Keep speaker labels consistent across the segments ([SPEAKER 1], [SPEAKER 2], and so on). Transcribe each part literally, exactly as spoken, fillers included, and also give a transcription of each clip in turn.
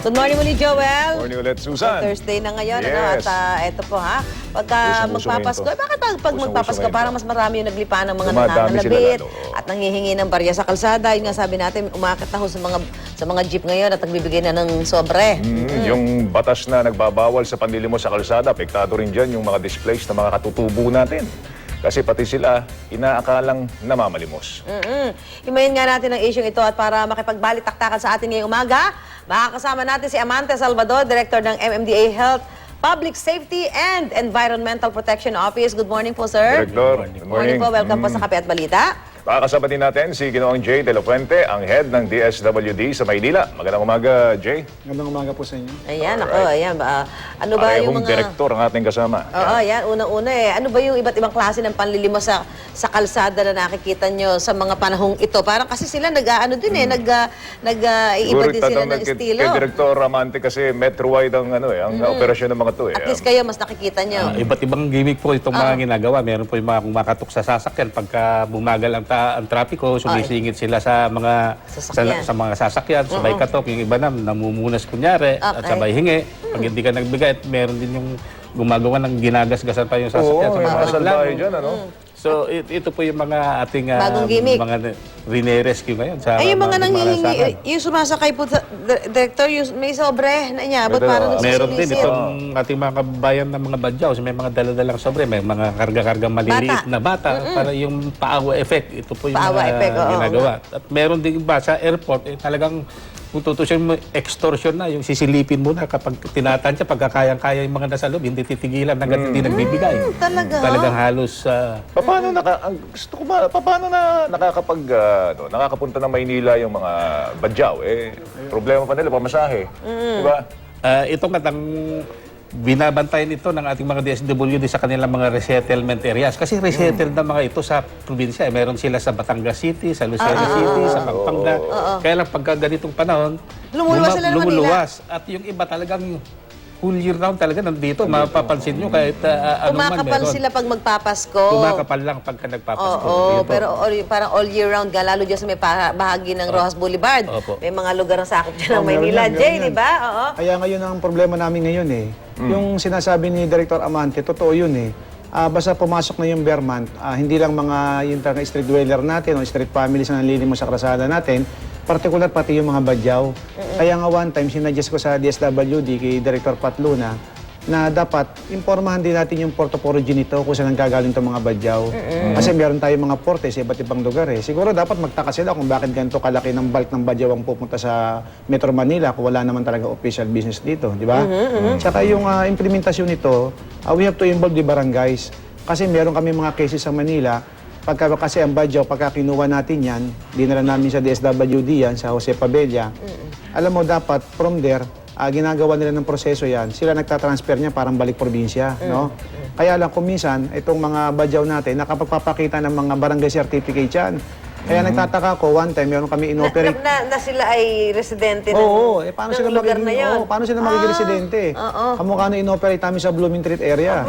[SPEAKER 1] Good morning muli, Joel.
[SPEAKER 2] Morning ulit, Susan.
[SPEAKER 1] Thursday na ngayon,
[SPEAKER 2] Yes.
[SPEAKER 1] ano? At uh, eto po, ha? Pagka
[SPEAKER 2] Usong-uso
[SPEAKER 1] magpapasko,
[SPEAKER 2] ngayon
[SPEAKER 1] eh, bakit pag, pag
[SPEAKER 2] Usong-uso
[SPEAKER 1] magpapasko,
[SPEAKER 2] ngayon
[SPEAKER 1] parang
[SPEAKER 2] to.
[SPEAKER 1] mas marami yung naglipa ng mga
[SPEAKER 2] Dumadami
[SPEAKER 1] nananalabit
[SPEAKER 2] sila lalo.
[SPEAKER 1] at nanghihingi ng barya sa kalsada. Yun nga sabi natin, umakit na ho sa mga, sa mga jeep ngayon at nagbibigay na ng sobre.
[SPEAKER 2] Mm, Yung batas na nagbabawal sa panlilimos sa kalsada, apektado rin dyan yung mga displays na mga katutubo natin. Kasi pati sila, inaakalang namamalimos.
[SPEAKER 1] Mm-mm. Himayin nga natin ang issue ito at para makipagbalik-taktakan sa atin ngayong umaga, makakasama natin si Amante Salvador, Director ng M M D A Health, Public Safety and Environmental Protection Office. Good morning po, sir.
[SPEAKER 2] Director, good
[SPEAKER 1] Morning
[SPEAKER 2] morning.
[SPEAKER 1] po. Welcome po sa Kape at Balita.
[SPEAKER 2] Makakasama din natin si Ginoong Jay De La Fuente, ang head ng D S W D sa Maynila. Magandang umaga, Jay.
[SPEAKER 3] Magandang umaga po sa inyo.
[SPEAKER 1] Ayan, ako, ayan. ba, ano ba yung
[SPEAKER 2] Parehong
[SPEAKER 1] mga...
[SPEAKER 2] direktor ang ating kasama.
[SPEAKER 1] Oo, ayan. Unang-una eh. Ano ba yung iba't ibang klase ng panlilimos sa sa kalsada na nakikita nyo sa mga panahong ito? Parang kasi sila nag-ano din eh, nag, uh, nag uh, iiba din sila ng
[SPEAKER 2] kay,
[SPEAKER 1] estilo.
[SPEAKER 2] kay Director Amante kasi metro-wide ang, ano, eh, ang operasyon ng mga to. Eh.
[SPEAKER 1] At least kayo, mas nakikita nyo.
[SPEAKER 4] Ah, iba't ibang gimmick po itong
[SPEAKER 1] Ah.
[SPEAKER 4] mga ginagawa. Meron po yung mga kumakatok sa sasakyan pagka bumagal ang, ta- ang trapiko, sumisingit sila sa mga
[SPEAKER 1] Sasakyan.
[SPEAKER 4] sa, sa mga sasakyan, sabay katok, yung iba na namumunas kunyari at
[SPEAKER 1] Okay.
[SPEAKER 4] sabay hingi. Pag hindi ka nagbigay, at meron din yung gumagawa ng ginagasgasan pa yung sasakyan
[SPEAKER 2] Oo,
[SPEAKER 4] sa
[SPEAKER 2] yung
[SPEAKER 4] mga
[SPEAKER 2] mga
[SPEAKER 4] reklamo.
[SPEAKER 2] salbahe dyan, ano?
[SPEAKER 4] So, it- ito po yung mga ating ah,
[SPEAKER 1] Bagong gimmick.
[SPEAKER 4] mga rine-rescue ngayon sa
[SPEAKER 1] Ay, yung mga nanghihingi,
[SPEAKER 4] malasakyan.
[SPEAKER 1] yung sumasakay po, sa, Dir- Director, yung may sobre na niya, ba't
[SPEAKER 2] Meron,
[SPEAKER 1] parang
[SPEAKER 2] ah.
[SPEAKER 4] Meron din
[SPEAKER 1] nagsisilisit?
[SPEAKER 4] itong ating mga kababayan ng mga badyaw. May mga daladalang sobre, may mga karga-kargang maliliit
[SPEAKER 1] Bata.
[SPEAKER 4] na bata para yung paawa effect. Ito po yung
[SPEAKER 1] Paawa
[SPEAKER 4] mga
[SPEAKER 1] effect, oo,
[SPEAKER 4] ginagawa. At meron din iba sa airport, eh, talagang kung tutusin mo, extortion na, yung sisilipin mo na kapag tinatansya, pagkakayang-kaya yung mga nasa loob, hindi titigilan hanggang hindi nagbibigay.
[SPEAKER 1] Hmm, talaga?
[SPEAKER 4] Talagang halos uh,
[SPEAKER 2] Paano naka ang gusto ko ba paano na nakakapag ah, ano, nakakapunta ng Maynila yung mga badyaw eh problema pa nila pamasahe, di ba?
[SPEAKER 4] Uh, ito nga ang binabantayan ito ng ating mga D S W D sa kanilang mga resettlement areas. Kasi resettled na mga ito sa probinsya. Eh, meron sila sa Batangas City, sa Lucena City, sa Pampanga. Kaya lang pagka ganitong panahon,
[SPEAKER 1] Lumuluwas sila ng Manila.
[SPEAKER 4] lumuluwas. At yung iba talagang whole year round talaga nandito. Mapapansin nyo kahit uh, ano man
[SPEAKER 1] Kumakapal
[SPEAKER 4] meron.
[SPEAKER 1] sila pag magpapasko.
[SPEAKER 4] Kumakapal lang pagka nagpapasko.
[SPEAKER 1] Oo,
[SPEAKER 4] Dito.
[SPEAKER 1] pero all, parang all year round, ka, lalo dyan sa may pa- bahagi ng Rojas Boulevard.
[SPEAKER 4] Opo.
[SPEAKER 1] May mga lugar na sakop dyan ng
[SPEAKER 3] Oh, meron
[SPEAKER 1] Maynila.
[SPEAKER 3] yan, meron
[SPEAKER 1] Jay,
[SPEAKER 3] yan.
[SPEAKER 1] di ba? Oo.
[SPEAKER 3] Kaya ngayon ang problema namin ngayon eh. Yung sinasabi ni Director Amante, totoo yun eh. Ah, basta pumasok na yung Vermont, ah, hindi lang mga yung talaga street dweller natin o street families na nalilimos sa krasada natin, particular pati yung mga badyaw. Kaya nga one time, sinadjust ko sa D S W D kay Director Pat Luna na dapat impormahan din natin yung port of origin nito kung saan gagaling itong mga badyaw. Kasi meron tayong mga porte sa iba't ibang lugar eh. Siguro dapat magtaka sila kung bakit ganito kalaki ng bulk ng badyaw ang pupunta sa Metro Manila kung wala naman talaga official business dito, di ba? Tsaka yung ah, implementasyon nito, ah, we have to involve the barangays. Kasi meron kami mga cases sa Manila, pagka kasi ang badyaw, pagka kinuha natin yan, dinala namin sa D S W D yan, sa Jose Pabella, alam mo dapat from there, Ah, ginagawa nila ng proseso yan, sila nagtatransfer niya parang balik probinsya, no? Kaya lang kung minsan, itong mga badyaw natin, nakapagpapakita ng mga barangay certificate yan. Kaya nagtataka ko, one time, meron kami
[SPEAKER 1] Na,
[SPEAKER 3] inoperate.
[SPEAKER 1] na, na sila ay residente ng,
[SPEAKER 3] Oo, eh, paano
[SPEAKER 1] ng
[SPEAKER 3] sila
[SPEAKER 1] lugar
[SPEAKER 3] magiging,
[SPEAKER 1] na yun.
[SPEAKER 3] oo, paano sila magiging residente?
[SPEAKER 1] oo.
[SPEAKER 3] Kamukha na inoperate namin sa Blooming Treat area.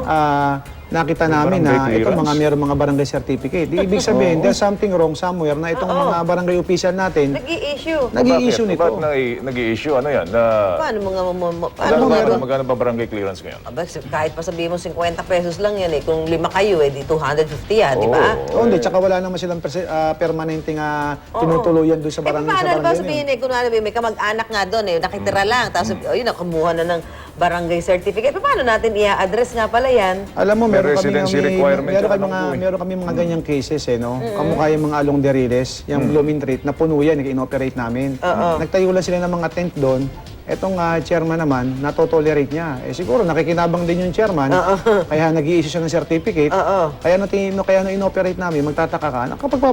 [SPEAKER 3] Ah, nakita namin na
[SPEAKER 2] barangay
[SPEAKER 3] itong mga
[SPEAKER 2] clearance.
[SPEAKER 3] meron mga barangay certificate. Di ibig sabihin, there's something wrong somewhere na itong mga barangay official natin,
[SPEAKER 1] Nag-i-issue.
[SPEAKER 3] nag-i-issue
[SPEAKER 2] Bakit?
[SPEAKER 3] nito.
[SPEAKER 2] Ba't nag- nag-i-issue? Ano yan? Na,
[SPEAKER 1] Paano mga... mo- mo-
[SPEAKER 2] magkano,
[SPEAKER 1] Paano
[SPEAKER 2] magkano,
[SPEAKER 1] mga...
[SPEAKER 2] magkano ba barangay clearance ngayon?
[SPEAKER 1] Aba, kahit pa sabihin mo fifty pesos lang yan eh. Kung lima kayo eh, di two hundred fifty yan, di ba?
[SPEAKER 3] Oo, hindi. Tsaka wala naman silang perse- ah, permanente nga tinutuluyan doon sa
[SPEAKER 1] Eh,
[SPEAKER 3] barangay.
[SPEAKER 1] paano
[SPEAKER 3] sa
[SPEAKER 1] na ba
[SPEAKER 3] barangay na
[SPEAKER 1] sabihin
[SPEAKER 3] yun.
[SPEAKER 1] eh, kung ano, may kamag-anak nga doon eh, nakitira lang, tapos yun, nakumuha na ng barangay certificate. Eh, paano natin i-address nga pala yan?
[SPEAKER 3] Alam mo,
[SPEAKER 2] May
[SPEAKER 3] meron kami,
[SPEAKER 2] residency
[SPEAKER 3] may,
[SPEAKER 2] requirement
[SPEAKER 3] meron
[SPEAKER 2] yan,
[SPEAKER 3] kami mga,
[SPEAKER 2] ano po eh.
[SPEAKER 3] meron kami mga ganyang cases eh, no? Kamukha yung mga along de Riles, yung Blooming Treat, na puno yan, in-operate namin. Nagtayo lang sila ng mga tent doon. Etong ah, chairman naman, natotolerate niya. Eh siguro nakikinabang din yung chairman, kaya nag-i-issue siya ng certificate.
[SPEAKER 1] Oo.
[SPEAKER 3] Kaya no, no, kaya no inoperate namin, magtataka ka,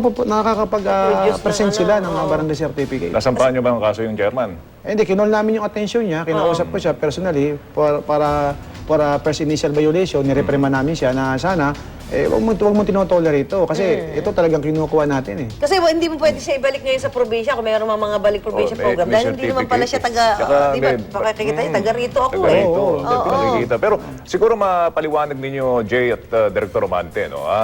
[SPEAKER 3] nakakapag-present sila ng mga barangay certificate.
[SPEAKER 2] Nasampahan niyo ba ang kaso yung chairman?
[SPEAKER 3] Eh, hindi, kinol namin yung attention niya, kinausap ko siya personally for, para para first initial violation, nireprema namin siya na sana, eh, huwag mo, huwag mo tinotolerate ito. Kasi ito talagang kinukuha natin eh.
[SPEAKER 1] Kasi well, hindi mo pwede siya ibalik ngayon sa probinsya kung mayroon mga mga balik probinsya
[SPEAKER 2] Oh, may-
[SPEAKER 1] program.
[SPEAKER 2] may
[SPEAKER 1] Dahil hindi naman pala siya taga,
[SPEAKER 2] certificate. Tsaka
[SPEAKER 1] di ba,
[SPEAKER 2] may-
[SPEAKER 1] pakikita niya, taga rito ako
[SPEAKER 2] Taga
[SPEAKER 1] eh.
[SPEAKER 2] rito,
[SPEAKER 3] Oo,
[SPEAKER 2] hindi pinakikita. Pero siguro mapaliwanag ninyo, Jay at uh, Director Romante, no? Ah,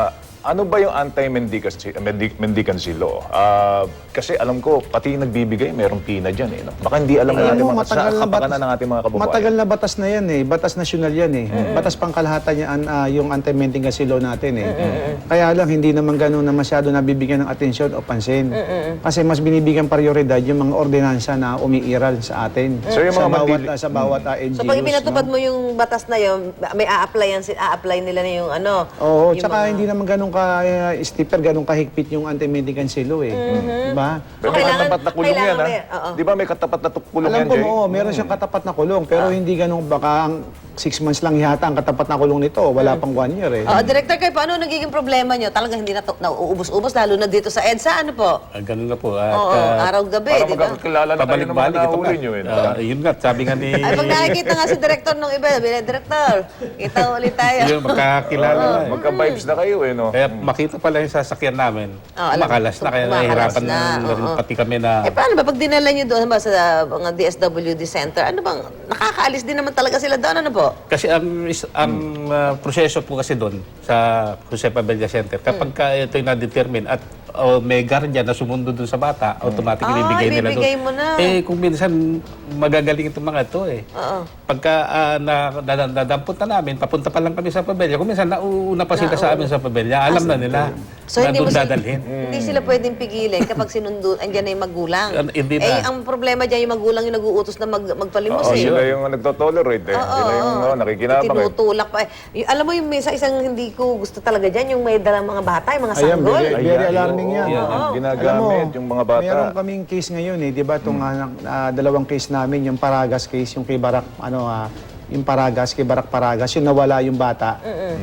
[SPEAKER 2] ano ba yung anti-mendicancy mendi- mendicancy law? Ah, kasi alam ko, pati yung nagbibigay, merong pina dyan. Eh, no? Baka hindi alam
[SPEAKER 3] Alam
[SPEAKER 2] natin
[SPEAKER 3] mo,
[SPEAKER 2] mga, sa
[SPEAKER 3] matagal na
[SPEAKER 2] kapakanan
[SPEAKER 3] batas-
[SPEAKER 2] ng ating mga kababayan.
[SPEAKER 3] Matagal na batas na yan eh. Batas nasyonal yan eh. Batas pangkalahatan yan, ah, yung anti-mendicancy law natin eh. Kaya lang, hindi naman ganun na masyado nabibigyan ng atensyon o pansin. Kasi mas binibigyan prioridad yung mga ordinansa na umiiral sa atin.
[SPEAKER 2] So, yung
[SPEAKER 3] sa
[SPEAKER 2] mga
[SPEAKER 3] bawat,
[SPEAKER 2] mandili-
[SPEAKER 3] ah, sa bawat ah, L G Us.
[SPEAKER 1] So pag ipinatupad
[SPEAKER 3] no?
[SPEAKER 1] mo yung batas na yun, may a-applyan, a-apply nila na yung ano.
[SPEAKER 3] Oo,
[SPEAKER 1] yung
[SPEAKER 3] tsaka
[SPEAKER 1] mga-
[SPEAKER 3] hindi naman ganun ka uh, stiffer, ganun kahigpit yung anti-mendicancy law eh. Diba?
[SPEAKER 2] Pero may
[SPEAKER 1] Kailangan-
[SPEAKER 2] katapat na kulong yan,
[SPEAKER 1] kailangan
[SPEAKER 2] ha?
[SPEAKER 1] may- oo.
[SPEAKER 2] Di ba may katapat na tu- kulong
[SPEAKER 3] Alam
[SPEAKER 2] yan,
[SPEAKER 3] ko,
[SPEAKER 2] Jay?
[SPEAKER 3] oo, meron siyang katapat na kulong, pero hindi ganun, baka ang six months lang yata ang katapat na kulong nito, wala pang one year eh.
[SPEAKER 1] Oo, Director, kayo paano nagiging problema nyo? Talagang hindi na to- nauubos-ubos, lalo na dito sa EDSA, ano po?
[SPEAKER 4] Ah, ganun na po. At,
[SPEAKER 1] Oo,
[SPEAKER 4] ah,
[SPEAKER 1] araw-gabi,
[SPEAKER 2] Para
[SPEAKER 1] di ba?
[SPEAKER 2] magkakilala na kayo ng mga
[SPEAKER 4] pabalik-balik ito
[SPEAKER 2] nahuli
[SPEAKER 4] nga.
[SPEAKER 2] nyo. Eh, no?
[SPEAKER 4] Ah, yun nga, sabi nga ni...
[SPEAKER 1] Ay, pag nakikita nga si Director nung iba, sabi niya, Director, kita ulit tayo.
[SPEAKER 4] yun, magkakilala na eh.
[SPEAKER 2] Magka-vibes na kayo, eh, no?
[SPEAKER 4] Kaya makita pala yung sasakyan namin.
[SPEAKER 1] Oh, alam-
[SPEAKER 4] makalas na, kaya
[SPEAKER 1] kumakalas
[SPEAKER 4] nahihirapan
[SPEAKER 1] na,
[SPEAKER 4] na, rin
[SPEAKER 1] oo.
[SPEAKER 4] pati kami na...
[SPEAKER 1] Eh, paano ba? Pag dinala nyo doon ba, sa mga D S W D Center, ano bang, nakakaalis din naman talaga sila doon, ano po?
[SPEAKER 4] Kasi ang is- ang ah, proseso po kasi doon sa Jose Pabella Center, kapag ka ito'y na-determine at oh, may guardian na sumundo doon sa bata, automatic
[SPEAKER 1] Ah,
[SPEAKER 4] ibibigay nila doon.
[SPEAKER 1] ibibigay mo na.
[SPEAKER 4] Eh, kung minsan magagaling itong mga ito eh.
[SPEAKER 1] Oo.
[SPEAKER 4] Pagka ah, na, na, na, nadampot na namin, papunta pa lang kami sa Pabella. Kung minsan nauuna pa sila sa amin sa Pabella, alam na nila
[SPEAKER 1] So,
[SPEAKER 4] na
[SPEAKER 1] hindi mo
[SPEAKER 4] doon
[SPEAKER 1] sila,
[SPEAKER 4] dadalhin.
[SPEAKER 1] hindi sila pwedeng pigilin kapag sinundo, andyan na yung magulang.
[SPEAKER 4] An- hindi
[SPEAKER 1] Eh,
[SPEAKER 4] na.
[SPEAKER 1] ang problema dyan, yung magulang yung nag-uutos na mag, magpalimos
[SPEAKER 2] Oo,
[SPEAKER 1] eh.
[SPEAKER 2] sila yung nagtotolerate, eh. Sila yung oh, nakikinabang, eh.
[SPEAKER 1] Tinutulak pa. Eh. Y- alam mo yung may sa isang hindi ko gusto talaga dyan, yung may dalang mga bata, yung mga
[SPEAKER 3] Ayan,
[SPEAKER 1] sanggol.
[SPEAKER 3] very, very
[SPEAKER 2] Ayan,
[SPEAKER 3] alarming
[SPEAKER 2] oo,
[SPEAKER 3] yan.
[SPEAKER 2] yan,
[SPEAKER 3] Oo.
[SPEAKER 2] yung ginagamit, yung mga bata.
[SPEAKER 3] Meron kaming case ngayon eh, di ba? Itong ah, ah, dalawang case namin, yung Paragas case, yung kay Barak, ano, ah, yung Paragas, kay Barak Paragas, yung nawala yung bata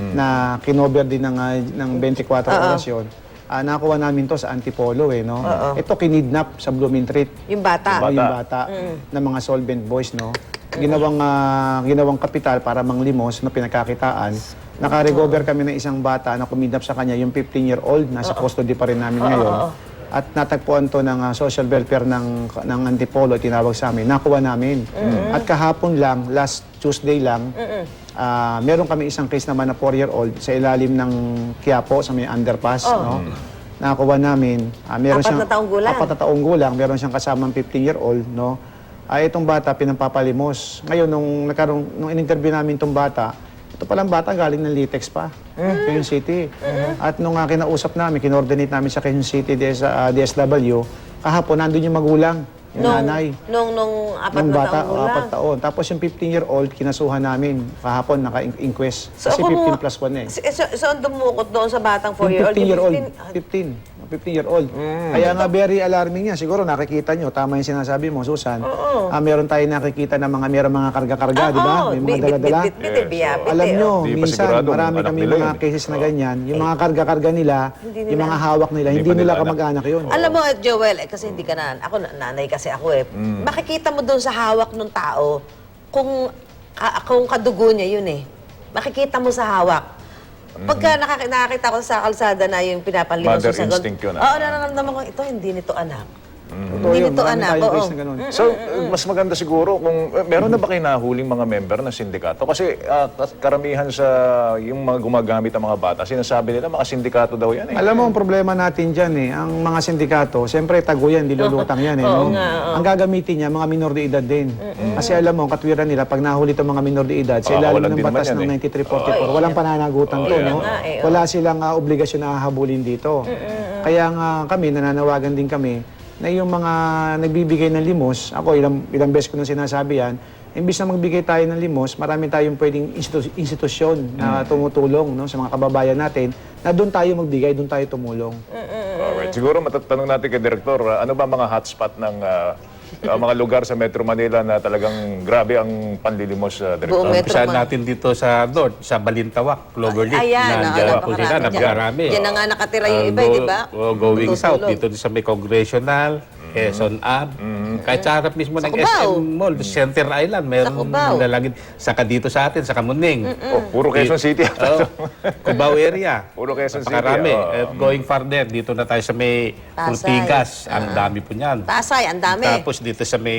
[SPEAKER 3] na kinover din ng, ah, ng twenty-four oras yun. Ah, nakuha namin to sa Antipolo eh, no? Ito kinidnap sa Blooming Treat.
[SPEAKER 1] Yung bata.
[SPEAKER 3] Diba, yung bata ng mga solvent boys, no? Ginawang, ah, ginawang kapital para manglimos na pinagkakitaan. Nakarecover kami ng isang bata na kumidnap sa kanya, yung fifteen-year-old, nasa custody pa rin namin ngayon. At natagpuan to ng ah, social welfare ng, ng Antipolo, tinawag sa amin, nakuha namin. At kahapon lang, last Tuesday lang, ah, meron kami isang case naman na four-year-old sa ilalim ng Quiapo, sa may underpass, no? Nakuha namin. ah, meron
[SPEAKER 1] Apat
[SPEAKER 3] siyang,
[SPEAKER 1] na taong gulang.
[SPEAKER 3] Apat na taong gulang, meron siyang kasamang fifteen-year-old, no? Ay, itong bata, pinapapalimos. Ngayon, nung, nagkaroon, nung in-interview namin itong bata, ito palang bata galing ng Litex pa, Quezon City. At nung uh, kinausap namin, kinordinate namin sa Quezon City D S, uh, D S W, kahapon nandun yung magulang, yung
[SPEAKER 1] Nung,
[SPEAKER 3] nanay.
[SPEAKER 1] nung, nung apat
[SPEAKER 3] Nung
[SPEAKER 1] na
[SPEAKER 3] bata,
[SPEAKER 1] taong
[SPEAKER 3] o,
[SPEAKER 1] gulang.
[SPEAKER 3] apat taon. Tapos yung fifteen-year-old, kinasuhan namin kahapon, naka-inquest.
[SPEAKER 1] So,
[SPEAKER 3] Kasi
[SPEAKER 1] ako
[SPEAKER 3] fifteen
[SPEAKER 1] mo-
[SPEAKER 3] plus one eh.
[SPEAKER 1] Si- So, so, ang dumukot doon sa batang
[SPEAKER 3] Yung
[SPEAKER 1] four-year-old.
[SPEAKER 3] fifteen-year-old,
[SPEAKER 1] fifteen-
[SPEAKER 3] fifteen. fifteen-year-old. Kaya nga very alarming yan. Siguro nakikita nyo, tama yung sinasabi mo, Susan. Ah, meron tayo nakikita na mga meron mga karga-karga, di ba?
[SPEAKER 1] Oo,
[SPEAKER 3] May
[SPEAKER 1] bit-
[SPEAKER 3] mga dala-dala.
[SPEAKER 1] bit- bit- bit- biyabit
[SPEAKER 3] Alam
[SPEAKER 1] eh,
[SPEAKER 3] nyo,
[SPEAKER 1] oh.
[SPEAKER 2] Hindi pa
[SPEAKER 3] minsan
[SPEAKER 2] sigurado kung
[SPEAKER 3] marami
[SPEAKER 2] anak
[SPEAKER 3] kami
[SPEAKER 2] nila
[SPEAKER 3] mga
[SPEAKER 2] yun.
[SPEAKER 3] cases na ganyan. Yung mga karga-karga nila, yung mga hawak nila,
[SPEAKER 2] Hindi
[SPEAKER 3] hindi,
[SPEAKER 2] pa nila
[SPEAKER 3] nila
[SPEAKER 2] anak.
[SPEAKER 3] kamag-anak yun.
[SPEAKER 1] Alam mo, Joel, eh, kasi hindi ka na, ako na- nanay kasi ako eh. Makikita mo doon sa hawak ng tao kung, ka, kung kadugo niya yun eh. Makikita mo sa hawak. Pagka nakak- nakakita ko sa kalsada na yung pinapanlimos
[SPEAKER 2] Mother
[SPEAKER 1] sa sagot,
[SPEAKER 2] instinct yun, ah.
[SPEAKER 1] Oo, nararamdaman ko, ito hindi nito anak.
[SPEAKER 3] Totoo
[SPEAKER 1] Hindi
[SPEAKER 3] yun,
[SPEAKER 1] nito
[SPEAKER 3] marami
[SPEAKER 1] anak,
[SPEAKER 3] tayong
[SPEAKER 1] oo.
[SPEAKER 3] case na ganun.
[SPEAKER 2] So, mas maganda siguro kung eh, meron na ba kayo nahuling mga member ng sindikato? Kasi ah, karamihan sa yung mga gumagamit ng mga bata, sinasabi nila mga sindikato daw yan eh.
[SPEAKER 3] Alam mo, ang problema natin dyan eh, ang mga sindikato, siyempre tago yan, dilulutang yan eh. no? Ang gagamitin niya, mga minor de edad din. Kasi alam mo, ang katwiran nila, pag nahuli itong mga minor de edad, sa ilalim
[SPEAKER 2] Pakakawalan
[SPEAKER 3] ng
[SPEAKER 2] din naman
[SPEAKER 3] batas
[SPEAKER 2] yan
[SPEAKER 3] ng
[SPEAKER 2] eh.
[SPEAKER 3] ninety-three forty-four, walang pananagutan to, no?
[SPEAKER 1] nga eh,
[SPEAKER 3] Wala silang ah, obligasyon na hahabulin dito. Kaya nga kami, nananawagan din kami, na yung mga nagbibigay ng limos, ako ilang, ilang beses ko nang sinasabi yan, imbis na magbigay tayo ng limos, marami tayong pwedeng institu- institusyon na tumutulong no, sa mga kababayan natin, na doon tayo magbigay, doon tayo tumulong.
[SPEAKER 2] Alright. Siguro matatanong natin kay Direktor, ah, ano ba mga hotspot ng ah, ah, mga lugar sa Metro Manila na talagang grabe ang panlilimos, uh, Direktor?
[SPEAKER 1] Buong Metro
[SPEAKER 4] Umpisa
[SPEAKER 1] Man-
[SPEAKER 4] natin dito sa North, sa Balintawak, Cloverleaf.
[SPEAKER 1] Ayan,
[SPEAKER 4] Nandiyan
[SPEAKER 1] oo,
[SPEAKER 4] po
[SPEAKER 1] napakarami
[SPEAKER 4] sila,
[SPEAKER 1] dyan.
[SPEAKER 4] napakarami.
[SPEAKER 1] Diyan na nga nakatira yung
[SPEAKER 4] Ah,
[SPEAKER 1] iba,
[SPEAKER 4] go-
[SPEAKER 1] di ba?
[SPEAKER 4] oh, going
[SPEAKER 1] Tutulog.
[SPEAKER 4] south, dito sa may Congressional, Quezon Ave. Kahit sa harap mismo ng
[SPEAKER 1] Cubao.
[SPEAKER 4] S M Mall, Center Island, meron
[SPEAKER 1] Cubao.
[SPEAKER 4] lalagid. Saka dito sa atin, sa Kamuning.
[SPEAKER 2] Oh, puro Quezon City.
[SPEAKER 4] Oh, Cubao area.
[SPEAKER 2] Puro Quezon City.
[SPEAKER 4] Napakarami.
[SPEAKER 2] oh.
[SPEAKER 4] At going farther, dito na tayo sa may
[SPEAKER 1] Pasay.
[SPEAKER 4] Ortigas. Ang dami po niyan.
[SPEAKER 1] Pasay, ang dami.
[SPEAKER 4] Tapos dito sa may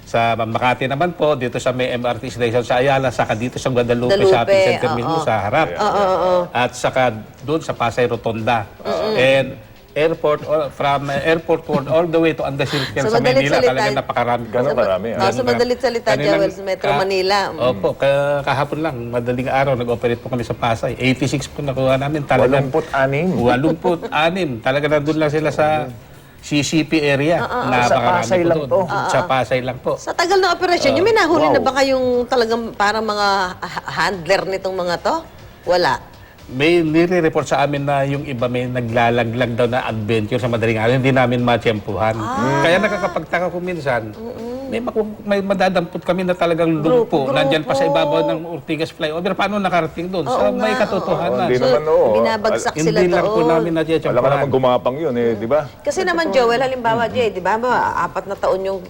[SPEAKER 4] Sa Makati naman po, dito sa may M R T station sa Ayala, saka dito sa Guadalupe,
[SPEAKER 1] Guadalupe,
[SPEAKER 4] Shopping Center
[SPEAKER 1] oo.
[SPEAKER 4] mismo sa harap.
[SPEAKER 1] Oo, oo, oo.
[SPEAKER 4] At saka doon sa Pasay Rotonda. And airport, all- from uh, airport road all the way to Andasilken
[SPEAKER 1] Sa
[SPEAKER 4] sa
[SPEAKER 1] madalit
[SPEAKER 4] Manila,
[SPEAKER 1] salita-
[SPEAKER 4] talagang napakarami.
[SPEAKER 2] Ganun karami.
[SPEAKER 1] Oh,
[SPEAKER 2] ah.
[SPEAKER 1] sa madalit salita,
[SPEAKER 4] Kanilang-
[SPEAKER 1] Joel, sa Metro
[SPEAKER 4] ka-
[SPEAKER 1] Manila. Mm.
[SPEAKER 4] Opo, ka- kahapon lang, madaling araw, nag-operate po kami sa Pasay. eighty-six po nakuha namin. Talagang
[SPEAKER 2] Walumput-anim.
[SPEAKER 4] walumput-anim. Talaga nandun lang sila sa C C P area.
[SPEAKER 2] Sa Pasay lang to.
[SPEAKER 4] Sa Pasay lang po.
[SPEAKER 1] Sa tagal ng operasyon, yung may nahuli
[SPEAKER 2] wow.
[SPEAKER 1] na ba kayong talagang parang mga ha- handler nitong mga to? Wala.
[SPEAKER 4] May nire-report sa amin na yung iba may naglalaglag daw na adventure sa madaling araw, hindi namin matsyempuhan.
[SPEAKER 1] Ah.
[SPEAKER 4] Kaya nakakapagtaka ko minsan, may, maku- may madadampot kami na talagang lumpo,
[SPEAKER 1] Grupo.
[SPEAKER 4] nandyan pa sa ibabaw ng Ortigas flyover. Paano nakarating doon?
[SPEAKER 1] Oo
[SPEAKER 4] Sa may
[SPEAKER 1] nga,
[SPEAKER 4] katotohanan.
[SPEAKER 2] Hindi
[SPEAKER 1] So,
[SPEAKER 2] naman, oo.
[SPEAKER 1] binabagsak
[SPEAKER 2] Al-
[SPEAKER 1] sila
[SPEAKER 4] Hindi lang po
[SPEAKER 1] doon.
[SPEAKER 4] namin
[SPEAKER 2] Alam ka
[SPEAKER 4] natsyempuhan.
[SPEAKER 2] naman gumapang yun eh, di ba?
[SPEAKER 1] Kasi naman, Joel, halimbawa, Jay, di ba, ba, apat na taon yung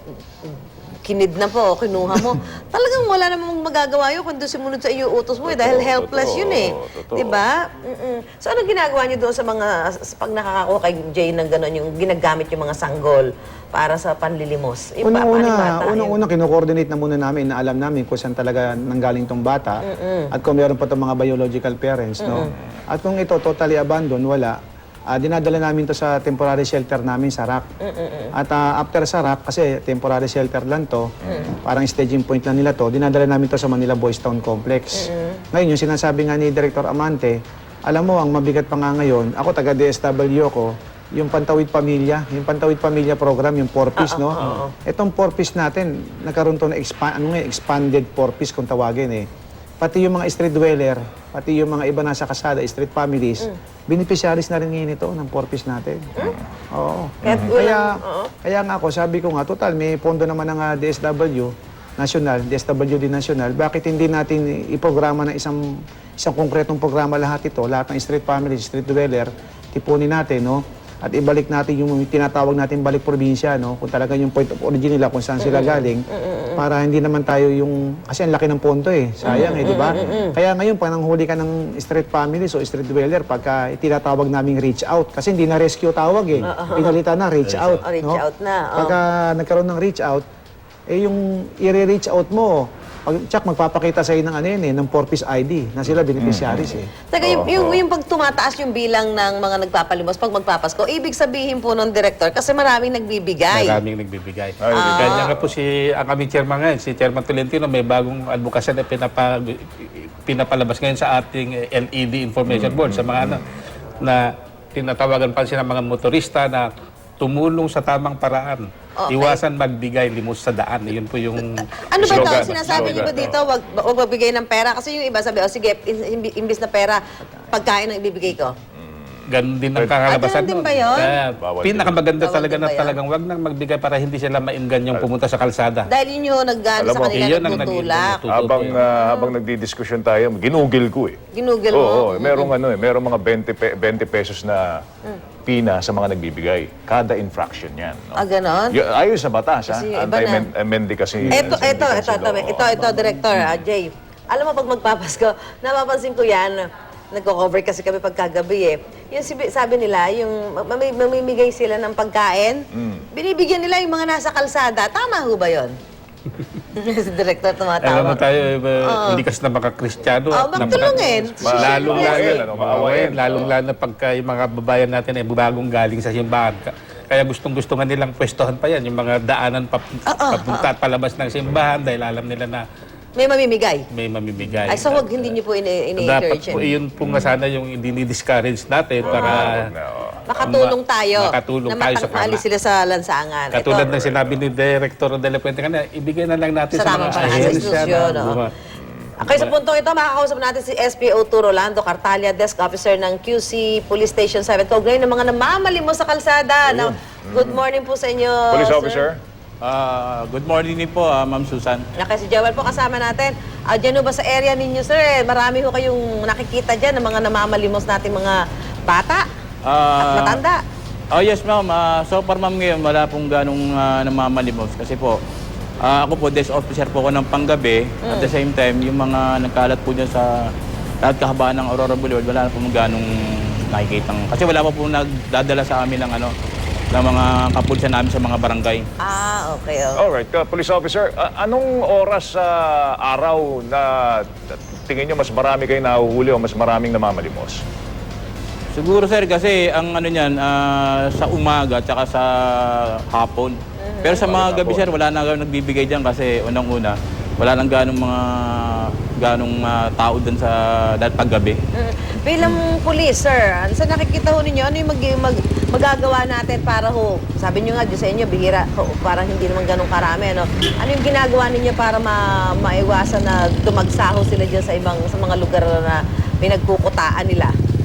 [SPEAKER 1] kinid na po, kinuha mo. Talagang wala namang magagawa yun kung doon sumunod sa iyo utos mo eh, dahil helpless
[SPEAKER 2] totoo,
[SPEAKER 1] yun eh.
[SPEAKER 2] totoo.
[SPEAKER 1] Di ba? Mm-mm. So, ano ginagawa niyo doon sa mga, sa pag nakakakuha kay Jay ng gano'n, yung ginagamit yung mga sanggol para sa panlilimos? Yung pa-
[SPEAKER 3] Unang-una,
[SPEAKER 1] panibata, yun.
[SPEAKER 3] unang-una kino-coordinate na muna namin na alam namin kung saan talaga nanggaling tong bata at kung meron pa tong mga biological parents, no. At kung ito totally abandoned, wala. Ah, dinadala namin to sa temporary shelter namin sa R A C. At ah, after sa R A C, kasi temporary shelter lang to, parang staging point lang nila to, dinadala namin to sa Manila Boys Town Complex. Ngayon, yung sinasabi nga ni Director Amante, alam mo, ang mabigat pa nga ngayon, ako taga-D S W ko, yung Pantawid Pamilya, yung Pantawid Pamilya program, yung four piece, no? Itong four piece natin, nagkaroon to na expa- ano nga, expanded four piece kung tawagin eh. Pati yung mga street dweller, pati yung mga iba nasa kasada, street families, beneficiaries na rin ngayon ito ng four piece natin. Oo.
[SPEAKER 1] Kahit
[SPEAKER 3] Kaya,
[SPEAKER 1] walang- oo.
[SPEAKER 3] kaya nga ako, sabi ko nga, total, may pondo naman ng ah, D S W national, D S W D national, bakit hindi natin iprograma ng isang isang konkretong programa lahat ito, lahat ng street families, street dweller, tipunin natin, no? At ibalik natin yung tinatawag natin balik probinsya, no? Kung talaga yung point of origin nila, kung saan sila galing, para hindi naman tayo yung, kasi ang laki ng ponto eh, sayang eh, di ba? Kaya ngayon, pag nanghuli ka ng street families o street dweller, pagka tinatawag naming reach out, kasi hindi na rescue tawag eh, pinalitan na reach out.
[SPEAKER 1] Oh, reach
[SPEAKER 3] no?
[SPEAKER 1] out na, oh.
[SPEAKER 3] Pagka nagkaroon ng reach out, eh yung i-reach out mo, pag tsak magpapakita sa iyo ng ano yun eh, ng four piece I D na sila beneficiaries eh.
[SPEAKER 1] Teka, yung, yung, yung pag tumataas yung bilang ng mga nagpapalimos pag magpapasko, ibig sabihin po ng director, kasi maraming nagbibigay.
[SPEAKER 4] Maraming nagbibigay.
[SPEAKER 2] Ay,
[SPEAKER 1] Ah.
[SPEAKER 4] Kanya nga po si, ang aming chairman ngayon, si Chairman Tolentino, may bagong advocacy na pinapa, pinapalabas ngayon sa ating L E D Information Board, sa mga ano, na tinatawagan pa siya ng mga motorista na tumulong sa tamang paraan.
[SPEAKER 1] Okay.
[SPEAKER 4] Iwasan magbigay limos sa daan. Yun po yung
[SPEAKER 1] Ano ba ito?
[SPEAKER 2] Slogan,
[SPEAKER 1] Sinasabi niyo ba
[SPEAKER 2] slogan,
[SPEAKER 1] dito, wag, wag magbigay ng pera? Kasi yung iba sabi, oh sige, in- imbis na pera, pagkain ang ibibigay ko.
[SPEAKER 4] ganun din ang kakalabasan
[SPEAKER 1] Ah, ganun din
[SPEAKER 4] nun.
[SPEAKER 1] ba yun?
[SPEAKER 4] Kaya
[SPEAKER 2] Bawal din.
[SPEAKER 4] pinakamaganda
[SPEAKER 1] Bawal
[SPEAKER 4] talaga
[SPEAKER 1] din
[SPEAKER 4] na
[SPEAKER 1] ba yan?
[SPEAKER 4] talagang wag nang magbigay para hindi sila maingan yung pumunta sa kalsada.
[SPEAKER 1] Dahil yun yung nag-ano
[SPEAKER 2] Alam
[SPEAKER 1] sa
[SPEAKER 2] mo,
[SPEAKER 1] kanila,
[SPEAKER 4] yun ang
[SPEAKER 1] nagtutulak.
[SPEAKER 4] naging-
[SPEAKER 2] Habang ah, habang nagdidiskusyon tayo, ginugil ko eh.
[SPEAKER 1] Ginugil mo.
[SPEAKER 2] Oo, oo. merong ano eh, merong mga twenty, pe- twenty pesos na pina sa mga nagbibigay. Kada infraction yan. No?
[SPEAKER 1] Ah, ganon?
[SPEAKER 2] Y- ayon sa batas, ha?
[SPEAKER 1] Kasi yung iba na.
[SPEAKER 2] Anti-amend kasi.
[SPEAKER 1] Ito, ito, ito, ito,
[SPEAKER 2] ito,
[SPEAKER 1] ito, ito, Director, ah, Jay. Alam mo, pag magpapasko, napapansin ko yan, nagko-cover kasi kami pagkagabi eh. Yung sibi- sabi nila, yung mami- mamimigay sila ng pagkain, binibigyan nila yung mga nasa kalsada. Tama ho ba yun? Si Director
[SPEAKER 4] Alam mo
[SPEAKER 1] tumatawa.
[SPEAKER 4] tayo, eh, hindi kasi na makakristyano.
[SPEAKER 1] Oh,
[SPEAKER 4] at napaka-
[SPEAKER 1] magtulungin.
[SPEAKER 4] Lalong lalo,
[SPEAKER 2] Maawain, ano, maawain.
[SPEAKER 4] lalong lalo na pagka yung mga babayan natin ay bagong galing sa simbahan. Ka- Kaya gustong-gusto nga nilang pwestohan pa yan, yung mga daanan pap- papunta at palabas ng simbahan dahil alam nila na
[SPEAKER 1] May mamimigay.
[SPEAKER 4] may mamimigay.
[SPEAKER 1] Ay, so wag hindi niyo po ini-
[SPEAKER 4] Dapat
[SPEAKER 1] ini-encourage
[SPEAKER 4] po,
[SPEAKER 1] yun.
[SPEAKER 4] yun po nga sana yung dinidiscourage natin para
[SPEAKER 1] Makatulong tayo.
[SPEAKER 4] makatulong
[SPEAKER 1] na
[SPEAKER 4] tayo sa
[SPEAKER 1] mata- maalis
[SPEAKER 4] pama.
[SPEAKER 1] sila sa lansangan.
[SPEAKER 4] Katulad
[SPEAKER 1] Ito,
[SPEAKER 4] ng sinabi ni Director de la Puente kanina, ibigay na lang natin
[SPEAKER 1] Sa
[SPEAKER 4] sa,
[SPEAKER 1] tamang
[SPEAKER 4] mga
[SPEAKER 1] paraan, sa
[SPEAKER 4] ahensya
[SPEAKER 1] institusyon,
[SPEAKER 4] na
[SPEAKER 1] oo.
[SPEAKER 4] buma-
[SPEAKER 1] Okay, sa puntong ito, makakausap natin si S P O two Rolando Cartalia, Desk Officer ng Q C Police Station seven. Kaugnay ng mga namamalimos sa kalsada. Now, good morning po sa inyo,
[SPEAKER 2] Police
[SPEAKER 1] sir.
[SPEAKER 2] officer?
[SPEAKER 5] Ah, good morning din po, ah, Ma'am Susan.
[SPEAKER 1] Okay, si Joel po kasama natin. Uh, diyan ho ba sa area ninyo, sir? Eh, marami ho kayong nakikita dyan ng mga namamalimos nating mga bata at
[SPEAKER 5] Ah,
[SPEAKER 1] matanda.
[SPEAKER 5] Oh yes, ma'am. Ah, so far, ma'am, ngayon wala pong ganong ah, namamalimos kasi po ah, ako po desk officer po ako ng panggabi. At the same time, yung mga nagkalat po dyan sa lahat kahabaan ng Aurora Boulevard, wala na po ganong nakikitang kasi wala pa po nagdadala sa amin ng ano ng mga kapulisan namin sa mga barangay.
[SPEAKER 1] Ah, okay. Oh.
[SPEAKER 2] Alright, uh, police officer, a- anong oras sa araw na tingin nyo mas marami kayo nahuhuli o mas maraming namamalimos?
[SPEAKER 5] Siguro sir kasi ang ano niyan ah, sa umaga at saka sa hapon. Pero sa mga gabi sir wala na nagbibigay diyan kasi unang-una wala nang ganong mga ganong ah, tao doon sa dahil paggabi.
[SPEAKER 1] Mm. Bilang pulis, sir, ano sa nakikita ho ninyo, ano yung mag, mag, magagawa natin para ho, sabi nyo nga, Diyos sa inyo, bihira, ho, parang hindi naman ganun karami, ano? Ano yung ginagawa ninyo para ma, maiwasan na tumagsaho sila dyan sa ibang, sa mga lugar na pinagkukutaan nila?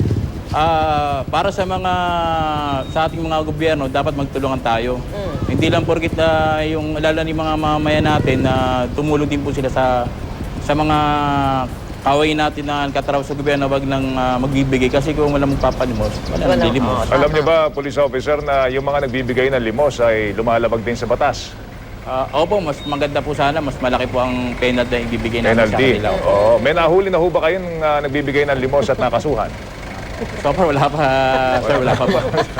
[SPEAKER 5] Ah, para sa mga sa ating mga gobyerno dapat magtulungan tayo. Hindi lang porkit na yung lalo ni mga mamamayan natin na tumulong din po sila sa sa mga kaway natin na katrabaho sa gobyerno wag nang ah, magbibigay kasi kung walang magpapalimos, wala
[SPEAKER 1] Wala,
[SPEAKER 5] nang lilimos.
[SPEAKER 1] oo.
[SPEAKER 2] Alam niyo ba, police officer, na yung mga nagbibigay ng limos ay lumalabag din sa batas?
[SPEAKER 5] Ah, opo, mas maganda po sana, mas malaki po ang penalty na ibibigay natin sa
[SPEAKER 2] Penalty.
[SPEAKER 5] kanila.
[SPEAKER 2] Oo. May nahuli na ho ba kayong uh, nagbibigay ng limos at nakasuhan?
[SPEAKER 5] So far wala pa, sir, wala pa po.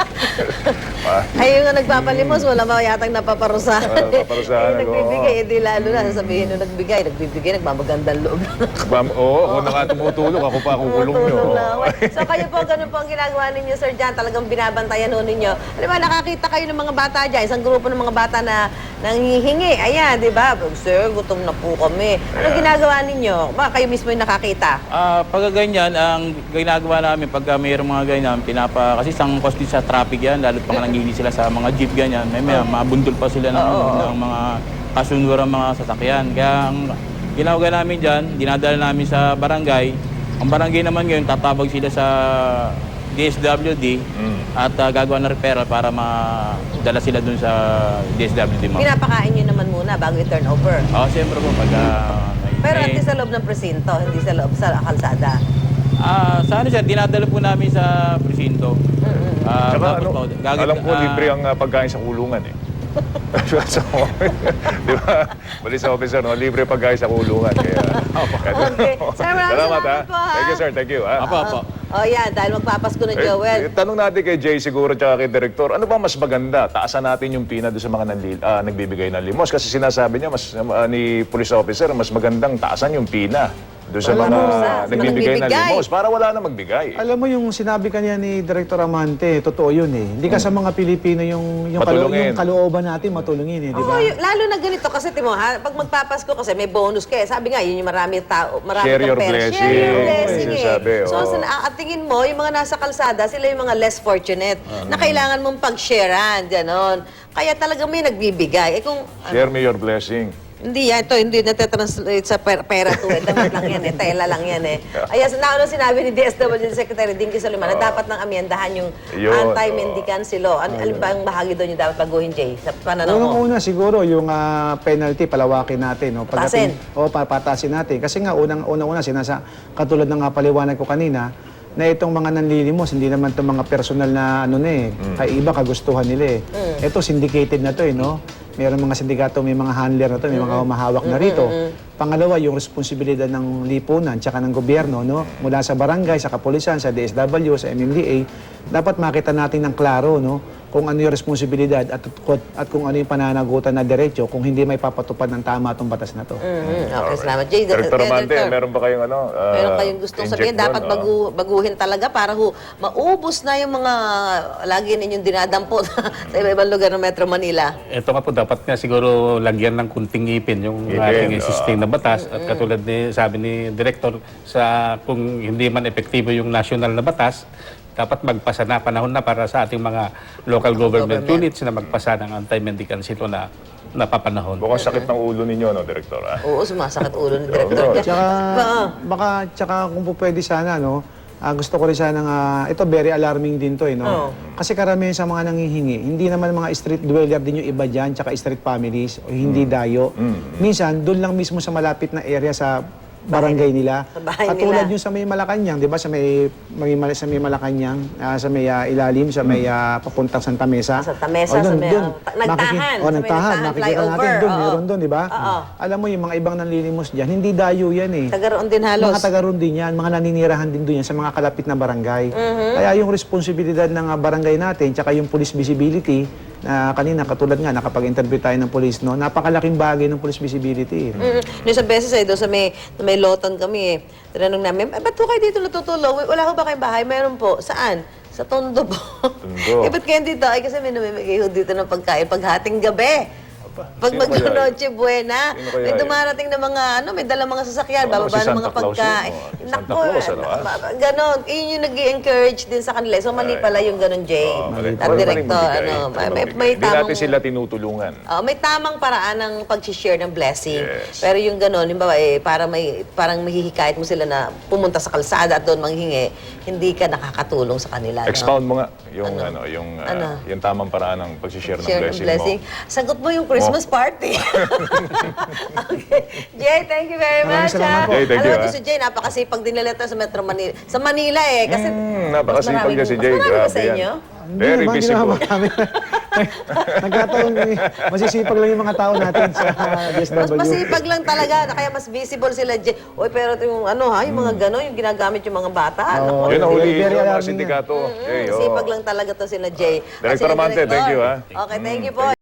[SPEAKER 1] Ay, yung nagpapalimos, wala ba yatang napaparusahan?
[SPEAKER 2] Wala napaparusahan,
[SPEAKER 1] Eh, nagbibigay, hindi lalo na. Sasabihin nung nagbigay, nagbibigay, nagmamagandang loob.
[SPEAKER 2] Bam, oo, kung nga tumutulog, ako pa kukulong nyo.
[SPEAKER 1] Tumutulong lang. So kayo po, ganun po ang ginagawa ninyo, Sir Jan. Talagang binabantayan ho ninyo. Alam ba, nakakita kayo ng mga bata dyan, isang grupo ng mga bata na nanghihingi. Ayan, di ba? Sir, gutom na po kami. Ano ginagawa ninyo? Ba, kayo mismo yung nakakita?
[SPEAKER 5] Ah, pag ganyan, ang ginagawa namin pag uh, mayroong mga ganyan, pinapa, kasi isang cost din sa traffic yan, lalo pang nanghihili sila sa mga jeep ganyan, may, may mabundol pa sila ng, ng mga kasunduran mga sasakyan. Kaya ang ginagawa namin dyan, dinadala namin sa barangay. Ang barangay naman ngayon, tatabag sila sa D S W D at uh, gagawa ng referral para madala sila dun sa D S W D. ma'am.
[SPEAKER 1] Pinapakain nyo naman muna bago i-turn over.
[SPEAKER 5] Oo, siyempre po, pag... ah, may-
[SPEAKER 1] Pero
[SPEAKER 5] may-
[SPEAKER 1] hindi sa loob ng presinto, hindi sa loob sa kalsada.
[SPEAKER 5] Ah, sa ano siya, dinadala po namin sa presinto. Ah,
[SPEAKER 2] Tsaka
[SPEAKER 5] tapos
[SPEAKER 2] ano,
[SPEAKER 5] po, gagawin-
[SPEAKER 2] alam ko
[SPEAKER 5] ah,
[SPEAKER 2] libre ang uh, pagkain sa kulungan eh. So, di ba? Police officer, no? Libre pagkain sa kulungan. Kaya,
[SPEAKER 1] Okay. Sir, maraming
[SPEAKER 2] salamat, ha?
[SPEAKER 1] salamat po, ha?
[SPEAKER 2] Thank you, sir. Thank you, ha?
[SPEAKER 5] Apo, apo.
[SPEAKER 1] Oh, yan, dahil magpapasko na
[SPEAKER 2] Eh,
[SPEAKER 1] Joel.
[SPEAKER 2] eh, tanong natin kay Jay siguro tsaka kay Director, ano ba mas maganda? Taasan natin yung pina doon sa mga nanli- ah, nagbibigay ng limos. Kasi sinasabi niya mas, ah, ni police officer, mas magandang taasan yung pina doon sa
[SPEAKER 1] Wala
[SPEAKER 2] mga
[SPEAKER 1] mo, sa- sa
[SPEAKER 2] nagbibigay ng
[SPEAKER 1] nagbibigay.
[SPEAKER 2] limos para wala na magbigay.
[SPEAKER 3] Alam mo yung sinabi kanya ni Director Amante, totoo yun eh. Hindi ka sa mga Pilipino yung, yung, kalu-
[SPEAKER 2] Matulungin.
[SPEAKER 3] yung kalooban natin matulungin eh, di
[SPEAKER 1] Oo,
[SPEAKER 3] ba?
[SPEAKER 1] y- lalo na ganito kasi timo ha, pag magpapasko kasi may bonus ka eh. Sabi nga, yun yung marami tao, marami
[SPEAKER 2] Share
[SPEAKER 1] kang
[SPEAKER 2] your
[SPEAKER 1] pera.
[SPEAKER 2] blessing.
[SPEAKER 1] Share your
[SPEAKER 2] Oo,
[SPEAKER 1] blessing
[SPEAKER 2] yun
[SPEAKER 1] eh.
[SPEAKER 2] sabi,
[SPEAKER 1] So,
[SPEAKER 2] oo.
[SPEAKER 1] sa, at tingin mo, yung mga nasa kalsada, sila yung mga less fortunate na kailangan mong pag-sharean, gano'n. Kaya talaga may nagbibigay. Eh kung,
[SPEAKER 2] Share me your blessing.
[SPEAKER 1] hindi yan, ito hindi natetranslate sa per- pera to. Eh. Damit lang yan eh, tela lang yan eh. Ayan, so, nauna sinabi ni D S W D Secretary Dinky Soliman na dapat nang amyendahan yung
[SPEAKER 2] Yun,
[SPEAKER 1] anti-mendicancy law. Ano, alin ba ang bahagi doon yung dapat baguhin, Jay? Sa pananaw mo?
[SPEAKER 3] Unang-una siguro yung ah, penalty palawakin natin, no.
[SPEAKER 1] Patasin.
[SPEAKER 3] O papatasin natin kasi nga unang unang-una sinasa katulad ng nga paliwanag ko kanina na itong mga nanlilimos hindi naman itong mga personal na ano na eh, kay iba kagustuhan nila eh. Ito syndicated na to eh, no. Meron mga sindikato, may mga handler na to, may mga humahawak na rito. Pangalawa, yung responsibilidad ng lipunan tsaka ng gobyerno, no, mula sa barangay, sa kapulisan, sa D S W, sa M M D A, dapat makita natin ng klaro, no, kung ano yung responsibilidad at, at kung ano yung pananagutan na diretso kung hindi may papatupad ng tama itong batas na to.
[SPEAKER 1] Mhm. Okay, salamat. Jay,
[SPEAKER 2] Director
[SPEAKER 1] eh,
[SPEAKER 2] Amante,
[SPEAKER 1] Director,
[SPEAKER 2] meron ba kayong ano? ah,
[SPEAKER 1] meron kayong gustong
[SPEAKER 2] inject
[SPEAKER 1] sabihin,
[SPEAKER 2] doon?
[SPEAKER 1] dapat
[SPEAKER 2] Ah.
[SPEAKER 1] bagu, baguhin talaga para ho, maubos na yung mga lagi ninyong dinadampot sa iba-ibang lugar ng Metro Manila.
[SPEAKER 4] Ito nga po, dapat nga siguro lagyan ng kunting ipin yung
[SPEAKER 2] Ipin,
[SPEAKER 4] ating
[SPEAKER 2] oo.
[SPEAKER 4] existing na batas. At katulad ni sabi ni Director, sa kung hindi man epektibo yung national na batas, dapat magpasa na, panahon na para sa ating mga local government,
[SPEAKER 1] Government.
[SPEAKER 4] units na magpasa ng anti-mendicancy law na napapanahon.
[SPEAKER 2] Mukhang sakit ng ulo ninyo, no, Director? Ah?
[SPEAKER 1] Oo, sumasakit ulo ni Director.
[SPEAKER 3] Tsaka,
[SPEAKER 1] Oo.
[SPEAKER 3] baka, tsaka kung po pwede sana, no, ah, gusto ko rin sana nga, ito very alarming din to, eh, no?
[SPEAKER 1] Oo.
[SPEAKER 3] Kasi karamihan sa mga nanghihingi, hindi naman mga street dweller din yung iba dyan, tsaka street families, o hindi dayo. Minsan, doon lang mismo sa malapit na area sa barangay nila.
[SPEAKER 1] Sa bahay
[SPEAKER 3] Katulad
[SPEAKER 1] nila.
[SPEAKER 3] yung sa may Malacanang, di ba? Sa may, may, Mal- sa may Malacanang, ah, sa may ah, ilalim, sa may ah, papuntang Santa Mesa.
[SPEAKER 1] Santa Mesa,
[SPEAKER 3] O,
[SPEAKER 1] sa
[SPEAKER 3] dun-
[SPEAKER 1] may,
[SPEAKER 3] dun,
[SPEAKER 1] ah, ta- nagtahan,
[SPEAKER 3] makiki-
[SPEAKER 1] sa
[SPEAKER 3] O,
[SPEAKER 1] may
[SPEAKER 3] nagtahan.
[SPEAKER 1] nagtahan,
[SPEAKER 3] Makikita natin
[SPEAKER 1] flyover,
[SPEAKER 3] doon,
[SPEAKER 1] oo.
[SPEAKER 3] meron doon, di ba?
[SPEAKER 1] Oo.
[SPEAKER 3] Alam mo, yung mga ibang nanlilimos dyan, hindi dayo yan eh.
[SPEAKER 1] Tagaroon din halos.
[SPEAKER 3] Mga taga-roon din yan, mga naninirahan din doon yan sa mga kalapit na barangay.
[SPEAKER 1] Mm-hmm.
[SPEAKER 3] Kaya yung responsibilidad ng ah, barangay natin, tsaka yung police visibility, na kanina, katulad nga, nakapag-interview tayo ng police, no? Napakalaking bagay ng police visibility.
[SPEAKER 1] Mm. Yung isang beses ay doon sa may, na may lotan kami eh. Tinanong namin, eh, ba't po kayo dito natutulog? Wala ko ba kayong bahay? Meron po. Saan? Sa Tondo po.
[SPEAKER 2] Tondo.
[SPEAKER 1] Eh, ba't kayo dito? Ay, kasi may namimigay ho dito ng pagkain paghating gabi. Pag
[SPEAKER 2] Sino kaya
[SPEAKER 1] mag-Noche Buena,
[SPEAKER 2] Sino kaya
[SPEAKER 1] may
[SPEAKER 2] yun?
[SPEAKER 1] dumarating na mga, ano, may dalang mga sasakyan,
[SPEAKER 2] Ano,
[SPEAKER 1] bababa
[SPEAKER 2] si
[SPEAKER 1] ng
[SPEAKER 2] Santa
[SPEAKER 1] mga
[SPEAKER 2] Claus
[SPEAKER 1] pagkain.
[SPEAKER 2] yun, oh. Si
[SPEAKER 1] Naku,
[SPEAKER 2] Santa Claus, ano, ah?
[SPEAKER 1] ma- ma- ganon. Yun yung nag encourage din sa kanila. So, mali pala yung ganon, Jay.
[SPEAKER 2] Oo, mali.
[SPEAKER 1] At
[SPEAKER 2] Maling
[SPEAKER 1] director,
[SPEAKER 2] magbigay.
[SPEAKER 1] ano, may,
[SPEAKER 2] Maling
[SPEAKER 1] may,
[SPEAKER 2] magbigay.
[SPEAKER 1] may
[SPEAKER 2] Hindi
[SPEAKER 1] tamang...
[SPEAKER 2] natin sila tinutulungan.
[SPEAKER 1] Oh, may tamang paraan ng pag-share ng blessing.
[SPEAKER 2] Yes.
[SPEAKER 1] Pero yung gano'n, yung ba, eh, para may, parang mahihikayat mo sila na pumunta sa kalsada at doon manghingi, hindi ka nakakatulong sa kanila. no?
[SPEAKER 2] Expound mo nga yung
[SPEAKER 1] Ano?
[SPEAKER 2] ano, yung ah,
[SPEAKER 1] Ano?
[SPEAKER 2] yung tamang paraan ng pag-share ng
[SPEAKER 1] Share
[SPEAKER 2] blessing,
[SPEAKER 1] ng blessing.
[SPEAKER 2] mo.
[SPEAKER 1] Sagot mo yung Christmas party. Okay. Jay, thank you very
[SPEAKER 3] Maraming
[SPEAKER 1] much.
[SPEAKER 3] salamat
[SPEAKER 1] ha.
[SPEAKER 3] po.
[SPEAKER 2] Jay, thank
[SPEAKER 1] Alam
[SPEAKER 2] you,
[SPEAKER 1] mo,
[SPEAKER 2] ha.
[SPEAKER 1] si Jay, napakasipag din nila ito sa Metro Manila. Sa Manila eh. Kasi
[SPEAKER 2] Mm,
[SPEAKER 1] mas
[SPEAKER 2] napakasipag
[SPEAKER 1] maraming-
[SPEAKER 2] niya si Jay.
[SPEAKER 1] Mas marami ba
[SPEAKER 2] Grabe
[SPEAKER 1] sa
[SPEAKER 2] yan.
[SPEAKER 1] inyo?
[SPEAKER 2] Very
[SPEAKER 3] naman,
[SPEAKER 2] visible.
[SPEAKER 3] ginawa kami. Nagkataon, eh, masisipag lang yung mga tao natin sa D S
[SPEAKER 1] Mas
[SPEAKER 3] W.
[SPEAKER 1] masipag lang talaga, kaya mas visible sila. Jay. Oy, pero yung ano ha, yung mga gano'n, yung ginagamit yung mga bata.
[SPEAKER 3] Oo.
[SPEAKER 1] Naku,
[SPEAKER 2] Yun ang
[SPEAKER 3] Very,
[SPEAKER 2] huli
[SPEAKER 3] very
[SPEAKER 2] yung mga
[SPEAKER 3] alarming yan.
[SPEAKER 2] sindikato. Jay,
[SPEAKER 1] Mm,
[SPEAKER 2] oh.
[SPEAKER 1] sipag lang talaga to sila Jay. At
[SPEAKER 2] Director
[SPEAKER 1] sila
[SPEAKER 2] Amante,
[SPEAKER 1] Director.
[SPEAKER 2] thank you, ha.
[SPEAKER 1] Okay, thank you po.